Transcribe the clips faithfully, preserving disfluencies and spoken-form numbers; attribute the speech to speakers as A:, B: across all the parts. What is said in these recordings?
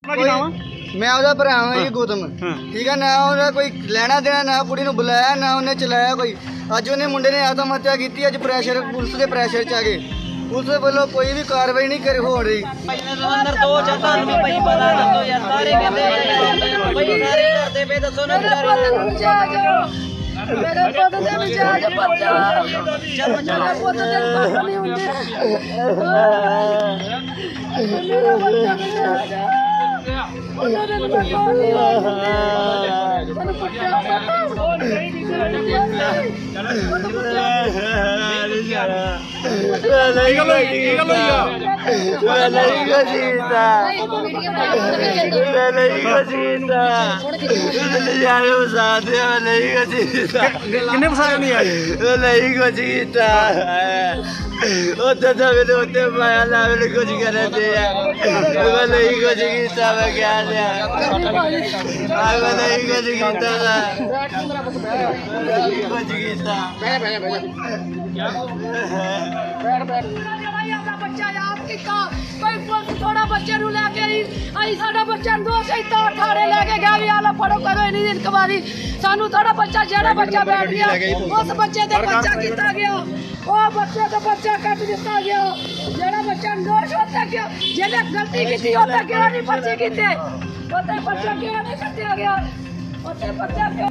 A: मैं ਉਹਦਾ ਭਰਾ ਹਾਂ ਜੀ ਗੌਤਮ ਠੀਕ ਹੈ ਨਾ ਉਹਦਾ ਕੋਈ ਲੈਣਾ ਦੇਣਾ ਨਾ ਕੁੜੀ ਨੂੰ ਬੁਲਾਇਆ ਨਾ ਉਹਨੇ ਚਲਾਇਆ ਕੋਈ ਅੱਜ ਉਹਨੇ ਮੁੰਡੇ ਨੇ ਆਤਮ ਹੱਤਿਆ ਕੀਤੀ ਅੱਜ ਪ੍ਰੈਸ਼ਰ ਪੁਲਿਸ ਦੇ ਪ੍ਰੈਸ਼ਰ ਚ ਆ ਗਏ ਪੁਲਿਸ ਵੱਲੋਂ ਕੋਈ ਵੀ ਕਾਰਵਾਈ ਨਹੀਂ ਕਰ ਹੋ ਰਹੀ
B: ਅੰਦਰ ਦੋ ਚਾਰ ਨੂੰ ਭਾਈ ਪਤਾ ਦੱਸੋ ਯਾਰ ਸਾਰੇ ਕਹਿੰਦੇ ਭਾਈ ਸਾਰੇ ਕਰਦੇ ਪਏ ਦੱਸੋ ਨਾ
C: ਮੇਰੇ ਪੁੱਤ ਦੇ ਵਿਚਾਰ ਚ ਬੱਚਾ ਮੇਰੇ ਪੁੱਤ ਦੇ ਬੱਚਾ ਨਹੀਂ ਹੁੰਦੇ ਮੇਰਾ ਬੱਚਾ ਵਿਚਾਰ ਉਹਨਾਂ ਦੇ ਬੱਚਾ ਨਹੀਂ ਹੁੰਦੇ ਤੈਨੂੰ ਪੁੱਛਿਆ
A: किन्ने फसाया नहीं आए
D: नहीं कुछ कीता उधर तो मैंने उतने पाया ना मैंने कुछ कर दिया मैं नहीं कुछ कीता मैं क्या लिया मैं नहीं कुछ कीता था नहीं कुछ कीता
C: ਬੱਚਾ ਯਾਦ ਕੀਤਾ ਕੋਈ ਪੁਲਿਸ ਥੋੜਾ ਬੱਚੇ ਨੂੰ ਲੈ ਕੇ ਆਈ ਅਸੀਂ ਸਾਡਾ ਬੱਚਾ ਨੂੰ ਦੋ ਸੈਤਾ ਠਾੜੇ ਲੈ ਕੇ ਗਿਆ ਵੀ ਆ ਲੋ ਫੜੋ ਕਰੋ ਇਹਨੀ ਦਿਨ ਕਵਾਰੀ ਸਾਨੂੰ ਥੋੜਾ ਬੱਚਾ ਜਿਹੜਾ ਬੱਚਾ ਬੈਠ ਗਿਆ ਉਸ ਬੱਚੇ ਤੇ ਬੱਚਾ ਕੀਤਾ ਗਿਆ ਉਹ ਬੱਚੇ ਦਾ ਬੱਚਾ ਕੱਟ ਦਿੱਤਾ ਗਿਆ ਜਿਹੜਾ ਬੱਚਾ ਨੋਸ਼ ਹੁੰਦਾ ਗਿਆ ਜਿਹਨੇ ਗਲਤੀ ਕੀਤੀ ਉਹਦਾ ਕਿਹੜਾ ਨਹੀਂ ਪਰਚੇ ਕੀਤੇ ਉਹਦੇ ਬੱਚਾ ਕਿਹੜਾ ਨਹੀਂ ਕੱਟਿਆ ਗਿਆ ਉਹਦੇ ਬੱਚਾ ਕਿਉਂ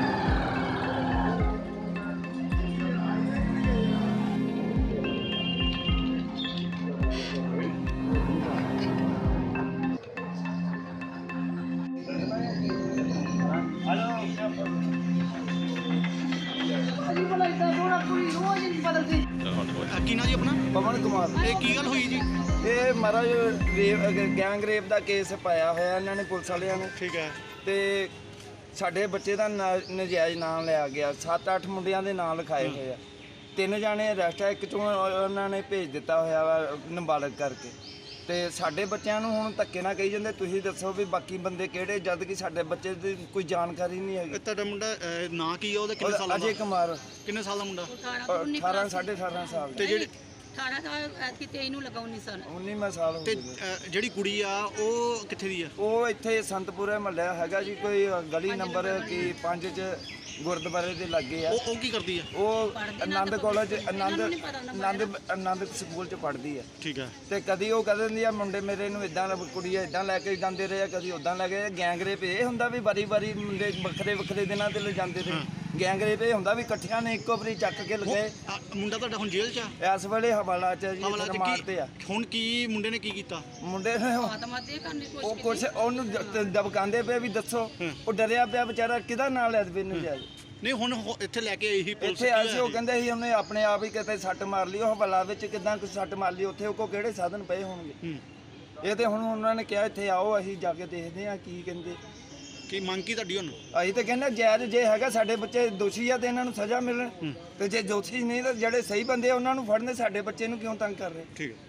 E: ਕੀ ਨਾਂ ਜੀ ਆਪਣਾ?
A: ਪਵਨ ਕੁਮਾਰ
E: ਇਹ ਕੀ ਗੱਲ ਹੋਈ ਜੀ?
A: ਇਹ ਮਹਾਰਾਜ ਰੇਪ ਗੈਂਗ ਰੇਪ ਦਾ ਕੇਸ ਪਾਇਆ ਹੋਇਆ ਇਹਨਾਂ ਨੇ ਪੁਲਿਸ ਵਾਲਿਆਂ ਨੇ
E: ਠੀਕ ਹੈ
A: ਤੇ ਸਾਡੇ ਬੱਚੇ ਦਾ ਨਾ- ਨਜਾਇਜ਼ ਨਾਮ ਲਿਆ ਗਿਆ ਸੱਤ ਅੱਠ ਮੁੰਡਿਆਂ ਦੇ ਨਾਂ ਲਿਖਾਏ ਹੋਏ ਆ ਤਿੰਨ ਜਾਣੇ ਅਰੈਸਟ ਆ ਇੱਕ ਚੋਂ ਉਹਨਾਂ ਨੇ ਭੇਜ ਦਿੱਤਾ ਹੋਇਆ ਵਾ ਨਾਬਾਲਗ ਕਰਕੇ ਤੇ ਸਾਡੇ ਬੱਚਿਆਂ ਨੂੰ ਹੁਣ ਧੱਕੇ ਨਾਲ ਕਹੀ ਜਾਂਦੇ ਤੁਸੀਂ ਦੱਸੋ ਵੀ ਬਾਕੀ ਬੰਦੇ ਕਿਹੜੇ ਜਦ ਕਿ ਸਾਡੇ ਬੱਚੇ ਦੀ ਕੋਈ ਜਾਣਕਾਰੀ ਨਹੀਂ ਹੈਗੀ।
E: ਇਹ ਤੁਹਾਡਾ ਮੁੰਡਾ ਅਹ, ਨਾਂ ਕੀ ਆ ਉਹਦਾ ਕਿੰਨੇ ਸਾਲਾਂ ਦਾ?
A: ਅਜੇ ਕੁਮਾਰ
E: ਕਿੰਨੇ ਸਾਲ ਦਾ ਮੁੰਡਾ?
A: ਅਠਾਰਾਂ ਸਾਢੇ ਅਠਾਰਾਂ ਸਾਲ
E: ਤੇ ਜਿਹੜੀ
C: ਅਠਾਰਾਂ ਸਾਲ ਐਤਕੀ ਤੇਈ ਨੂੰ ਲਗਾਉ ਨਹੀਂ ਸਨ
A: ਉੱਨੀਵਾਂ ਸਾਲ ਹੋ
E: ਤੇ
A: ਗਿਆ
E: ਅਹ, ਜਿਹੜੀ ਕੁੜੀ ਆ ਉਹ ਕਿੱਥੇ ਦੀ ਆ?
A: ਉਹ ਇੱਥੇ ਸੰਤਪੁਰੇ ਮਹੱਲਾ ਹੈਗਾ ਜੀ ਕੋਈ ਗਲੀ ਨੰਬਰ ਕੀ ਪੰਜ ਚ ਗੁਰਦੁਆਰੇ ਦੇ ਲਾਗੇ ਆ
E: ਉਹ ਉਹ ਕੀ ਕਰਦੀ ਆ?
A: ਉਹ ਆਨੰਦ ਕਾਲਜ ਆਨੰਦ ਆਨੰਦ ਆਨੰਦ ਸਕੂਲ ਚ ਪੜ੍ਹਦੀ ਆ
E: ਠੀਕ ਹੈ
A: ਤੇ ਕਦੀ ਉਹ ਕਹਿ ਦਿੰਦੀ ਆ ਮੁੰਡੇ ਮੇਰੇ ਨੂੰ ਇਦਾਂ ਕੁੜੀ ਇਦਾਂ ਲੈ ਕੇ ਜਾਂਦੇ ਰਹੇ ਆ ਕਦੀ ਉਦਾਂ ਲੈ ਕੇ ਗੈਂਗ ਰੇਪ ਇਹ ਹੁੰਦਾ ਵੀ ਵਾਰੀ ਵਾਰੀ ਮੁੰਡੇ ਵੱਖਰੇ ਵੱਖਰੇ ਦਿਨਾਂ ਤੇ ਲੈ ਜਾਂਦੇ ਰਹੇ ਗੈਂਗ ਰੇਪ ਇਹ ਹੁੰਦਾ ਵੀ ਇਕੱਠਿਆਂ ਨੇ ਇੱਕੋ ਵਾਰੀ ਚੱਕ ਕੇ ਲਗੇ
E: ਆ, ਮੁੰਡਾ ਤੁਹਾਡਾ ਹੁਣ ਜੇਲ੍ਹ 'ਚ ਆ?
A: ਇਸ ਵੇਲੇ ਹਵਾਲਾ ਚ ਜੀ
E: ਹਵਾਲਾ 'ਚ
A: ਰਿਮਾਂਡ
E: ਕੀ-
A: ਤੇ ਆ
E: ਹੁਣ ਕੀ ਮੁੰਡੇ ਨੇ ਕੀ ਕੀਤਾ?
A: ਮੁੰਡੇ ਨੇ ਉਹ-
C: ਆਤਮਾ ਦੇ ਕਰਨੀ
A: ਉਹ ਕੁਛ ਉਹਨੂੰ ਦ- ਦਬਕਾਉਂਦੇ ਪਏ ਵੀ ਦੱਸੋ ਉਹ ਡਰਿਆ ਪਿਆ ਵਿਚਾਰਾ ਕਿਹਦਾ ਨਾਂ ਲੈ ਦੇ ਨੂੰ ਜਾਏ
E: ਨਹੀਂ ਹੁਣ ਹੋ- ਇੱਥੇ ਲੈ ਕੇ ਆਈ ਸੀ ਪੁਲਿਸ?
A: ਇੱਥੇ ਆਏ ਸੀ ਉਹ ਕਹਿੰਦੇ ਸੀ ਉਹਨੇ ਆਪਣੇ ਆਪ ਹੀ ਕਿਤੇ ਸੱਟ ਮਾਰ ਲਈ ਉਹ ਹਵਾਲਾ ਵਿੱਚ ਕਿਦਾਂ ਕੁਛ ਸੱਟ ਮਾਰ ਲਈ ਉੱਥੇ ਉਹ ਕੋ ਕਿਹੜੇ ਸਾਧਨ ਪਏ ਹੋਣਗੇ
E: ਹੂੰ।
A: ਇਹ ਤੇ ਹੁਣ ਉਹਨਾਂ ਨੇ ਕਿਹਾ ਇੱਥੇ ਆਓ ਅਸੀਂ ਜਾ ਕੇ ਦੇਖਦੇ ਆ ਕੀ ਕਹਿੰਦੇ
E: ਕੀ ਮੰਗ ਕੀ ਤੁਹਾਡੀ ਹੁਣ?
A: ਅਸੀਂ ਤਾਂ ਕਹਿੰਦੇ ਜਾਇਜ਼ ਜੇ ਹੈਗਾ ਸਾਡੇ ਬੱਚੇ ਦੋਸ਼ੀ ਆ ਤੇ ਇਹਨਾਂ ਨੂੰ ਸਜ਼ਾ ਮਿਲਣ ਤੇ ਜੇ ਦੋਸ਼ੀ ਨਹੀਂ ਤਾਂ ਜਿਹੜੇ ਸਹੀ ਬੰਦੇ ਆ ਉਹਨਾਂ ਨੂੰ ਫੜਨੇ ਸਾਡੇ ਬੱਚੇ ਨੂੰ ਕਿਉਂ ਤੰਗ ਕਰ ਰਹੇ
E: ਠੀਕ ਹੈ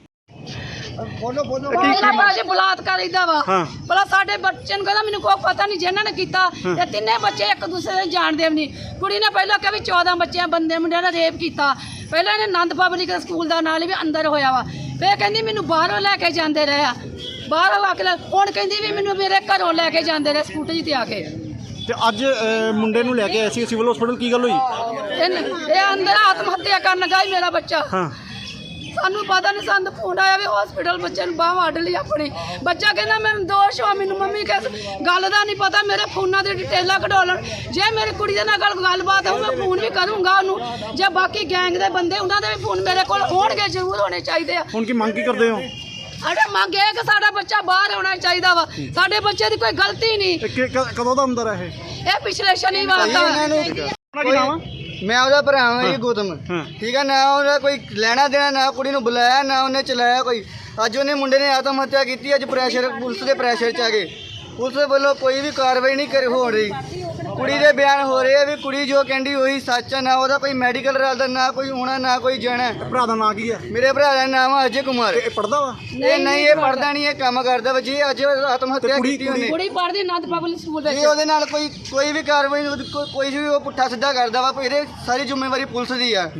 A: ਬੋਲੋ ਬੋਲੋ
C: ਪਹਿਲਾਂ ਬਾਜੀ ਬਲਾਤਕਾਰ ਇਦਾਂ ਵਾ ਭਲਾ ਸਾਡੇ ਬੱਚੇ ਨੂੰ ਕਹਿੰਦਾ ਮੈਨੂੰ ਕੋਈ ਪਤਾ ਨਹੀਂ ਜਿਹਨਾਂ ਨੇ ਕੀਤਾ ਤੇ ਤਿੰਨੇ ਬੱਚੇ ਇੱਕ ਦੂਸਰੇ ਨੂੰ ਜਾਣਦੇ ਵੀ ਨਹੀਂ ਕੁੜੀ ਨੇ ਪਹਿਲਾਂ ਕਿਹਾ ਵੀ ਚੌਦਾਂ ਬੱਚਿਆਂ ਬੰਦੇ ਮੁੰਡਿਆਂ ਨੇ ਰੇਪ ਕੀਤਾ ਪਹਿਲਾਂ ਇਹਨੇ ਆਨੰਦ ਪਬਲਿਕ ਸਕੂਲ ਦਾ ਨਾਲ ਵੀ ਅੰਦਰ ਹੋਇਆ ਵਾ ਫੇਰ ਕਹਿੰਦੀ ਮੈਨੂੰ ਬਾਹਰੋਂ ਲੈ ਕੇ ਜਾਂਦੇ ਰਹੇ ਆ ਬਾਹਰੋਂ ਆ ਕੇ ਲੈ- ਹੁਣ ਕਹਿੰਦੀ ਵੀ ਮੈਨੂੰ ਮੇਰੇ ਘਰੋਂ ਲੈ ਕੇ ਜਾਂਦੇ ਰਹੇ ਸਕੂਟਰੀ ਤੇ ਆ ਕੇ
E: ਤੇ ਅੱਜ ਮੁੰਡੇ ਨੂੰ ਲੈ ਕੇ ਆਏ ਸੀ ਸਿਵਲ ਹਸਪੀਟਲ ਕੀ ਗੱਲ ਹੋਈ?
C: ਇਹਨ- ਇਹ ਅੰਦਰ ਆਤਮ ਹੱਤਿਆ ਕਰਨ ਗਈ ਮੇਰਾ ਬੱਚਾ
E: ਹਾਂ
C: ਸਾਨੂੰ ਪਤਾ ਨਹੀਂ ਸਾਨੂੰ ਫੋਨ ਆਇਆ ਵੀ ਹਸਪੀਟਲ ਬੱਚੇ ਨੂੰ ਬਾਹ ਵੱਢ ਲਈ ਆਪਣੀ ਬੱਚਾ ਕਹਿੰਦਾ ਮੈਨੂੰ ਦੋਸ਼ ਹੋ ਮੈਨੂੰ ਮੰਮੀ ਕਿਸ ਗੱਲ ਦਾ ਨਹੀਂ ਪਤਾ ਮੇਰੇ ਫੋਨਾਂ ਦੀ ਡਿਟੇਲਾਂ ਕਢੋਲਣ ਜੇ ਮੇਰੀ ਕੁੜੀ ਦੇ ਨਾਲ ਗੱਲ ਗੱਲਬਾਤ ਹੋਊ ਮੈਂ ਫੋਨ ਵੀ ਕਰੂੰਗਾ ਉਹਨੂੰ ਜੇ ਬਾਕੀ ਗੈਂਗ ਦੇ ਬੰਦੇ ਉਹਨਾਂ ਦੇ ਵੀ ਫੋਨ ਮੇਰੇ ਕੋਲ ਹੋਣਗੇ ਜ਼ਰੂਰ ਹੋਣੇ ਚਾਹੀਦੇ ਆ
E: ਹੁਣ ਕੀ ਮੰਗ ਕੀ ਕਰਦੇ ਹੋ?
C: ਅਰੇ ਮੰਗ ਇਹ ਕਿ ਸਾਡਾ ਬੱਚਾ ਬਾਹਰ ਹੋਣਾ ਚਾਹੀਦਾ ਵਾ ਸਾਡੇ ਬੱਚੇ ਦੀ ਕੋਈ ਗਲਤੀ ਨਹੀਂ
E: ਕਦੋਂ ਦਾ ਅੰਦਰ ਹੈ ਇਹ?
C: ਇਹ ਪਿਛਲੇ ਸ਼ਨੀਵਾਰ ਦਾ
A: ਮੈਂ ਉਹਦਾ ਭਰਾ ਹਾਂ ਜੀ ਗੌਤਮ ਠੀਕ ਹੈ ਨਾ ਉਹਦਾ ਕੋਈ ਲੈਣਾ ਦੇਣਾ ਨਾ ਕੁੜੀ ਨੂੰ ਬੁਲਾਇਆ ਨਾ ਉਹਨੇ ਚਲਾਇਆ ਕੋਈ ਅੱਜ ਉਹਨੇ ਮੁੰਡੇ ਨੇ ਆਤਮ ਹੱਤਿਆ ਕੀਤੀ ਅੱਜ ਪ੍ਰੈਸ਼ਰ ਪੁਲਿਸ ਦੇ ਪ੍ਰੈਸ਼ਰ ਚ ਆ ਗਏ ਪੁਲਿਸ ਵੱਲੋਂ ਕੋਈ ਵੀ ਕਾਰਵਾਈ ਨਹੀਂ ਕਰ ਹੋ ਰਹੀ ਕੁੜੀ ਦੇ ਬਿਆਨ ਹੋ ਰਹੇ ਆ ਵੀ ਕੁੜੀ ਜੋ ਕਹਿੰਦੀ ਉਹੀ ਸੱਚ ਆ ਨਾ ਉਹਦਾ ਕੋਈ ਮੈਡੀਕਲ ਰਲਦਾ ਨਾ ਕੋਈ ਹੋਣਾ ਨਾ ਕੋਈ ਜਾਣਾ
E: ਭਰਾ ਦਾ ਨਾਂ ਕੀ ਹੈ?
A: ਮੇਰੇ ਭਰਾ ਦਾ ਨਾਮ ਆ ਅਜੇ ਕੁਮਾਰ
E: ਇਹ ਪੜਦਾ ਵਾ?
A: ਇਹ ਨਹੀਂ ਇਹ ਪੜਦਾ ਨਹੀਂ ਇਹ ਕੰਮ ਕਰਦਾ ਵਾ ਜੀ ਅੱਜ ਆਤਮ ਹੱਤਿਆ ਕੀਤੀ ਉਹਨੇ
C: ਕੁੜੀ ਪੜ੍ਹਦੀ ਆਨੰਦ ਪਬਲਿਕ ਸਕੂਲ
A: ਜੀ
C: ਵਿੱਚ
A: ਉਹਦੇ ਨਾਲ ਕੋਈ ਕੋਈ ਵੀ ਕਾਰਵਾਈ ਉਹਦੀ ਕੋ- ਕੋਈ ਵੀ ਉਹ ਪੁੱਠਾ ਸਿੱਧਾ ਕਰਦਾ ਵਾ ਇਹਦੇ ਸਾਰੀ ਜ਼ਿੰਮੇਵਾਰੀ ਪੁਲਿਸ ਦੀ ਆ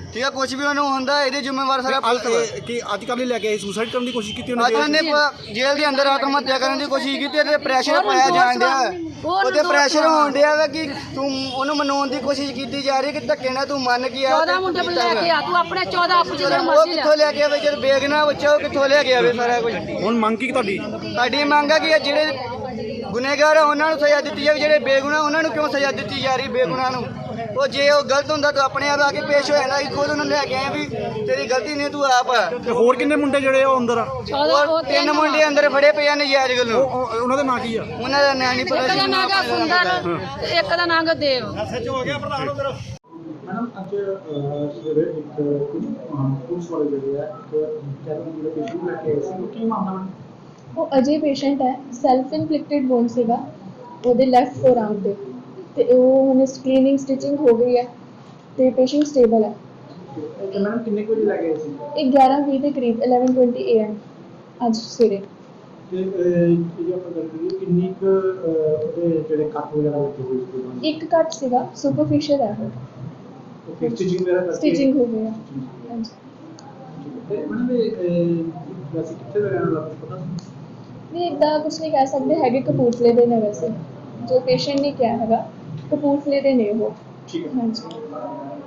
A: ਠੀਕ ਹੈ, ਕੁਝ ਵੀ ਉਹਨੂੰ ਹੁੰਦਾ ਇਹਦੇ ਜ਼ਿੰਮੇਵਾਰ ਸਾਰਾ ਪੁਲਿਸ ਵਾ।
E: ਇਹ ਕੀ ਅੱਜ ਕੱਲ੍ਹ ਲੈ ਕੇ ਆਏ ਸੁਸਾਈਡ ਕਰਨ ਦੀ ਕੋਸ਼ਿਸ਼ ਕੀਤੀ ਉਹਨੇ
A: ਅੱਜ ਉਹਨੇ ਪ- ਜੇਲ੍ਹ ਦੇ ਅੰਦਰ ਆਤਮ ਹੱਤਿਆ ਕਰਨ ਦੀ ਕੋਸ਼ਿਸ਼ ਕੀਤੀ ਤੇ ਪ੍ਰੈਸ਼ਰ ਪਾਇਆ ਜਾਣ ਡਿਆ ਉਹਦੇ ਪ੍ਰੈਸ਼ਰ ਹੋਣ ਡਿਆ ਵਾ ਕਿ ਤੂੰ ਉਹਨੂੰ ਮਨਾਉਣ ਦੀ ਕੋਸ਼ਿਸ਼ ਕੀਤੀ ਜਾ ਰਹੀ ਕਿ ਧੱਕੇ ਨਾਲ ਤੂੰ ਮੰਨ ਗਿਆ
C: ਚੌਦਾਂ ਮੁੰਡੇ ਨੂੰ ਲੈ ਕੇ ਆ ਤੂੰ ਆਪਣੇ ਚੌਦਾਂ ਆਪੂ ਜਿਹੜੇ
A: ਉਹ
C: ਮਰਜ਼ੀ ਲੈ
A: ਕਿੱਥੋਂ ਲੈ ਕੇ ਆਵੇ ਜਦ ਬੇਗਨਾ ਬੱਚਾ ਉਹ ਕਿੱਥੋਂ ਲੈ ਕੇ ਆਵੇ ਸਾਰਾ ਕੁਝ।
E: ਹੁਣ ਮੰਗ ਕੀ ਤੁਹਾਡੀ?
A: ਸਾਡੀ ਮੰਗ ਹੈ ਕਿ ਇਹ ਜਿਹੜੇ ਗੁਨੇਗਾਰ ਆ ਉਹਨਾਂ ਨੂੰ ਸਜ਼ਾ ਦਿੱਤੀ ਜਾਵੇ, ਜਿਹੜੇ ਬੇਗੁਨਾਹ ਉਹਨਾਂ ਨੂੰ ਕਿਉਂ ਸਜ਼ਾ ਦਿੱਤੀ ਜਾ ਰਹੀ ਬੇਗੁਨਾਹ ਨੂੰ। ਉਹ ਜੇ ਉਹ ਗਲਤ ਹੁੰਦਾ ਤਾਂ ਆਪਣੇ ਆਪ ਆ ਕੇ ਪੇਸ਼ ਹੋ ਜਾਂਦਾ ਸੀ, ਖੁਦ ਉਹਨੂੰ ਲੈ ਕੇ ਆਏ ਵੀ ਤੇਰੀ ਗਲਤੀ ਨਹੀਂ ਤੂੰ ਆਪ ਆ।
E: ਤੇ ਹੋਰ ਕਿੰਨੇ ਮੁੰਡੇ ਜਿਹੜੇ ਆ ਉਹ ਅੰਦਰ ਆ?
C: ਚੌਦਾਂ
A: ਉਹ ਤਿੰਨ ਮੁੰਡੇ ਅੰਦਰ ਫੜੇ ਪਏ ਆ ਨਜਾਇਜ਼ ਗੱਲੋਂ।
E: ਉਹ- ਉਹ- ਉਹਨਾਂ ਦਾ ਨਾਂ ਕੀ ਆ?
A: ਉਹਨਾਂ ਦਾ ਨਾਂ ਨਹੀਂ
C: ਇੱਕ
A: ਪਤਾ
C: ਦਾ
A: ਸੀ।
C: ਨਾਂ ਗਾ ਸੁੰਦਰ ਤੇ ਇੱਕ ਦਾ ਨਾਂ ਗਾ ਦੇਵ।
F: ਮੈਡਮ ਅੱਜ ਸਵੇਰੇ ਇੱਕ ਕੁਝ ਪੁਲਿਸ ਵਾਲੇ ਜਿਹੜੇ ਆ ਇੱਕ ਕੈਰਨ ਜਿਹੜੇ ਪੇਸ਼ੈਂਟ ਲੈ ਕੇ ਆਏ ਸੀ ਉਹ ਕੀ ਮਾਮਲਾ ਮੈਡਮ?
G: ਉਹ ਅਜੇ ਪੇਸ਼ੈਂਟ ਹੈ, ਸੈਲਫ ਇਨਫਲਿਕਟਡ ਵੋਨ ਸੀਗਾ ਉਹਦੇ ਲੈਫਟ ਫੋਰਆਰਮ ਤੇ ਤੇ ਉਹ ਹੁਣ ਸਕਰੀਨਿੰਗ ਸਟਿਚਿੰਗ ਹੋ ਗਈ ਹੈ ਤੇ ਪੇਸ਼ੈਂਟ ਸਟੇਬਲ ਹੈ।
F: ਤੇ ਮੈਡਮ ਕਿੰਨੇ ਕੁ ਵਜੇ ਲੈ ਕੇ ਆਏ ਸੀ?
G: ਇਹ ਗਿਆਰਾਂ ਵੀਹ ਦੇ ਕਰੀਬ eleven twenty A M ਅੱਜ ਸਵੇਰੇ।
F: ਤੇ ਅਹ, ਜੇ ਆਪਾਂ ਗੱਲ ਕਰੀਏ ਕਿੰਨੀ ਕੁ ਅਹ, ਉਹਦੇ ਜਿਹੜੇ ਕੱਟ ਵਗੈਰਾ ਲੱਗੇ ਹੋਏ ਸੀ?
G: ਇੱਕ ਕੱਟ ਸੀਗਾ, ਸੁਪਰਫਿਸ਼ੀਅਲ ਹੈ ਉਹ,
F: ਓਕੇ ਸਟਿਚਿੰਗ ਵਗੈਰਾ ਕਰਕੇ
G: ਸਟਿਚਿੰਗ ਹੋ ਗਈ ਹੈ। ਹਾਂਜੀ
F: ਤੇ ਮੈਡਮ ਇਹ ਅਹ, ਵੈਸੇ ਕਿੱਥੇ ਦਾ ਰਹਿਣ ਵਾਲਾ ਕੁਛ ਪਤਾ?
G: ਨਹੀਂ ਇੱਦਾਂ ਕੁਛ ਨਹੀਂ ਕਹਿ ਸਕਦੇ ਹੈਗੇ, ਕਪੂਰਥਲੇ ਦੇ ਨੇ ਵੈਸੇ ਜੋ ਪੇਸ਼ੈਂਟ ਨੇ ਕਿਹਾ ਹੈਗਾ, ਕਪੂਰਥਲੇ ਦੇ ਨੇ ਉਹ।
F: ਠੀਕ ਹੈ।
G: ਹਾਂਜੀ।